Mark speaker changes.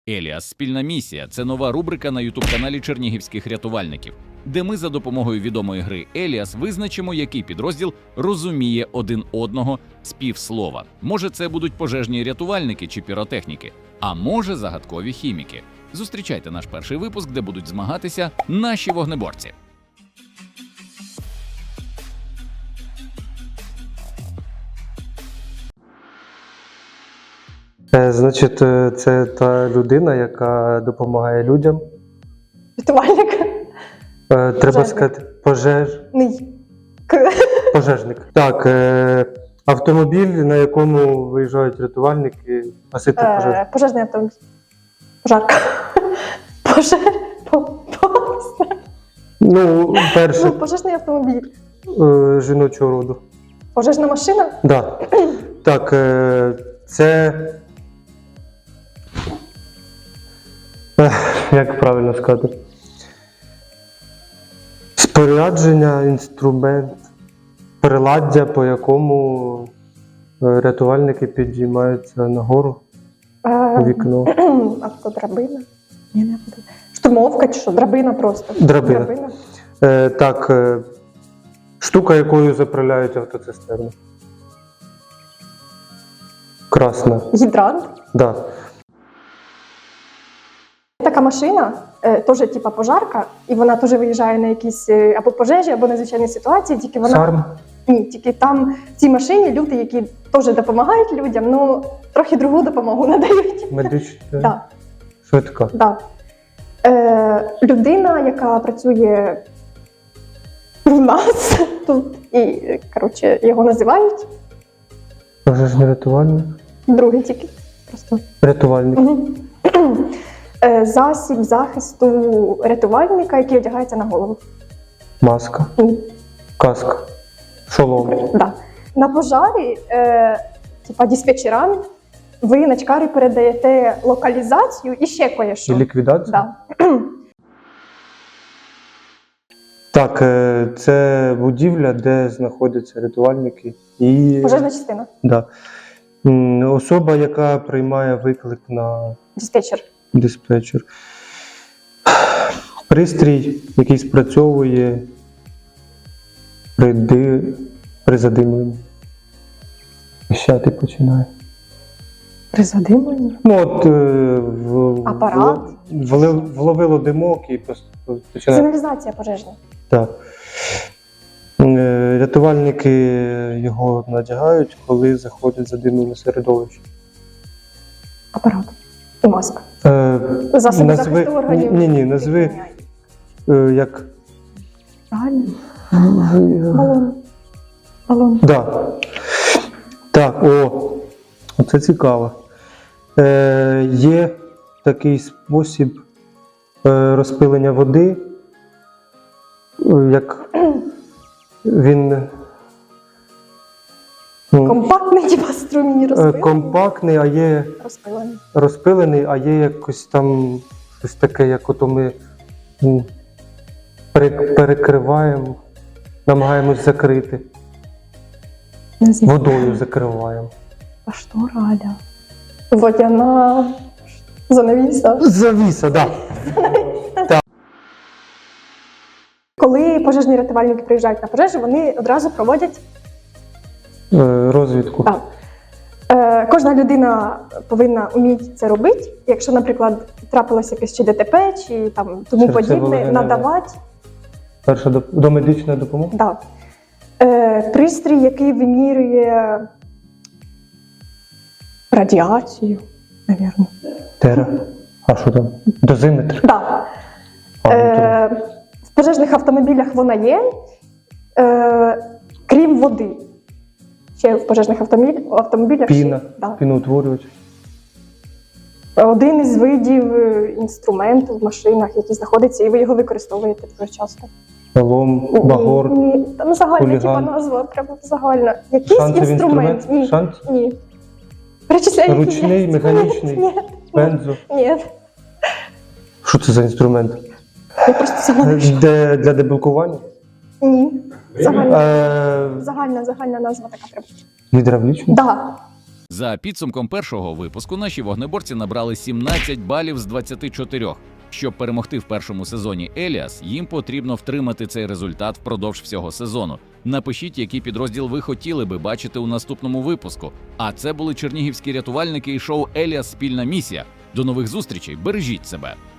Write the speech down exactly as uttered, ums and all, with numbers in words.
Speaker 1: Еліас Спільна місія це нова рубрика на ютуб-каналі чернігівських рятувальників, де ми за допомогою відомої гри Еліас визначимо, який підрозділ розуміє один одного з півслова. Може, це будуть пожежні рятувальники чи піротехніки, а може, загадкові хіміки. Зустрічайте наш перший випуск, де будуть змагатися наші вогнеборці.
Speaker 2: Е, Значить, е, це та людина, яка допомагає людям.
Speaker 3: Рятувальник.
Speaker 2: Е, Треба
Speaker 3: Пожежник.
Speaker 2: сказати, пожеж...
Speaker 3: Ний. К.
Speaker 2: пожежник. Так, е, автомобіль, на якому виїжджають рятувальники, гасити пожежу.
Speaker 3: Е, пожежний автомобіль. Пожарка. Пожеж. По... По...
Speaker 2: Ну, перше,
Speaker 3: Ну, пожежний автомобіль.
Speaker 2: е, жіночого роду.
Speaker 3: Пожежна машина.
Speaker 2: Да. Так, е, це... Ех, Як правильно сказати? Спорядження, інструмент, приладдя, по якому е, рятувальники підіймаються нагору у
Speaker 3: Е,
Speaker 2: вікно.
Speaker 3: Автодрабина. Ні, не автодрабина. Штурмовка чи що? Драбина просто.
Speaker 2: Драбина. Е, так, е, штука, якою заправляють автоцистерну. Красна.
Speaker 3: Гідрант.
Speaker 2: Да.
Speaker 3: Така машина, е, теж типа пожарка, і вона теж виїжджає на якісь е, або пожежі, або надзвичайні ситуації, тільки вона...
Speaker 2: Сарм.
Speaker 3: Ні, тільки там в цій машині люди, які теж допомагають людям, ну трохи другу допомогу надають.
Speaker 2: Медична.
Speaker 3: Да,
Speaker 2: Швидка.
Speaker 3: да. Е, людина, яка працює в нас тут, і коротше, його називають
Speaker 2: Пожежний рятувальник.
Speaker 3: другий тільки. Просто.
Speaker 2: Рятувальник.
Speaker 3: Мгм. Е, засіб захисту рятувальника, який одягається на голову.
Speaker 2: Маска.
Speaker 3: Ні.
Speaker 2: Каска. Шолом.
Speaker 3: Да. На пожарі, е, типа диспетчерам, ви на чкарі передаєте локалізацію і ще
Speaker 2: І
Speaker 3: кое-що.
Speaker 2: ліквідація.
Speaker 3: Да.
Speaker 2: Так, е, це будівля, де знаходяться рятувальники і
Speaker 3: Пожежна частина.
Speaker 2: да. М, особа, яка приймає виклик на
Speaker 3: Диспетчер.
Speaker 2: диспетчер. Пристрій, який спрацьовує при, ди... при задимленні. Пищати починає.
Speaker 3: При задимленні.
Speaker 2: Ну от е, в,
Speaker 3: Апарат.
Speaker 2: в, влив- вловило димок і просто починає.
Speaker 3: Сигналізація пожежна.
Speaker 2: Так. Е, Рятувальники його надягають, коли заходять задимлене середовище.
Speaker 3: Апарат. І маска.
Speaker 2: Е,
Speaker 3: Засоби захисту органів.
Speaker 2: Ні, ні, назви е, як.
Speaker 3: Правильно? Балон. Балон.
Speaker 2: Да. Так, о, це цікаво. Е, є такий спосіб е, розпилення води, е, як він ну,
Speaker 3: Компактний, типа струмні
Speaker 2: е,
Speaker 3: розпилений.
Speaker 2: компактний, а є
Speaker 3: Розпилений.
Speaker 2: розпилений, а є якось там щось таке, як ото ми м, перек- перекриваємо, намагаємось закрити.
Speaker 3: Не знаю.
Speaker 2: Водою закриваємо.
Speaker 3: А що раля? Водяна занавіса.
Speaker 2: Завіса, так. Да.
Speaker 3: Коли пожежні рятувальники приїжджають на пожежу, вони одразу проводять.
Speaker 2: Е, Розвідку.
Speaker 3: Так. Е, кожна людина повинна вміти це робити. Якщо, наприклад, трапилося якесь чи ДТП, чи там тому подібне,
Speaker 2: Серцево-легенева.
Speaker 3: надавати
Speaker 2: Перша доп... домедична допомога.
Speaker 3: да. е, пристрій, який вимірює радіацію, мабуть.
Speaker 2: Тера. А що там? Дозиметр.
Speaker 3: Да.
Speaker 2: А, ну,
Speaker 3: Е, в пожежних автомобілях вона є, е, крім води. Ще в пожежних автомобіль, автомобілях
Speaker 2: Піна.
Speaker 3: ще, да.
Speaker 2: Піноутворювач.
Speaker 3: Один із видів е, інструменту в машинах, який знаходиться, і ви його використовуєте дуже часто.
Speaker 2: Лом, багор.
Speaker 3: Ні, ні, там загальна
Speaker 2: хуліган.
Speaker 3: типа назва, прямо загальна. Якийсь
Speaker 2: Шансовий
Speaker 3: інструмент.
Speaker 2: інструмент.
Speaker 3: Ні,
Speaker 2: Шанс.
Speaker 3: ні. Перечисляю, які
Speaker 2: Ручний,
Speaker 3: є.
Speaker 2: механічний.
Speaker 3: Ні,
Speaker 2: Бензо.
Speaker 3: ні.
Speaker 2: Що це за інструмент?
Speaker 3: Я просто загальна.
Speaker 2: Де, для деблокування?
Speaker 3: Ні. Загальна,
Speaker 2: Е,
Speaker 3: загальна, загальна назва така прям.
Speaker 2: гідравлічний?
Speaker 3: Да.
Speaker 1: За підсумком першого випуску наші вогнеборці набрали сімнадцять балів з двадцяти чотирьох. Щоб перемогти в першому сезоні Еліас, їм потрібно втримати цей результат впродовж всього сезону. Напишіть, який підрозділ ви хотіли би бачити у наступному випуску. А це були чернігівські рятувальники і шоу «Еліас. Спільна місія». До нових зустрічей, бережіть себе!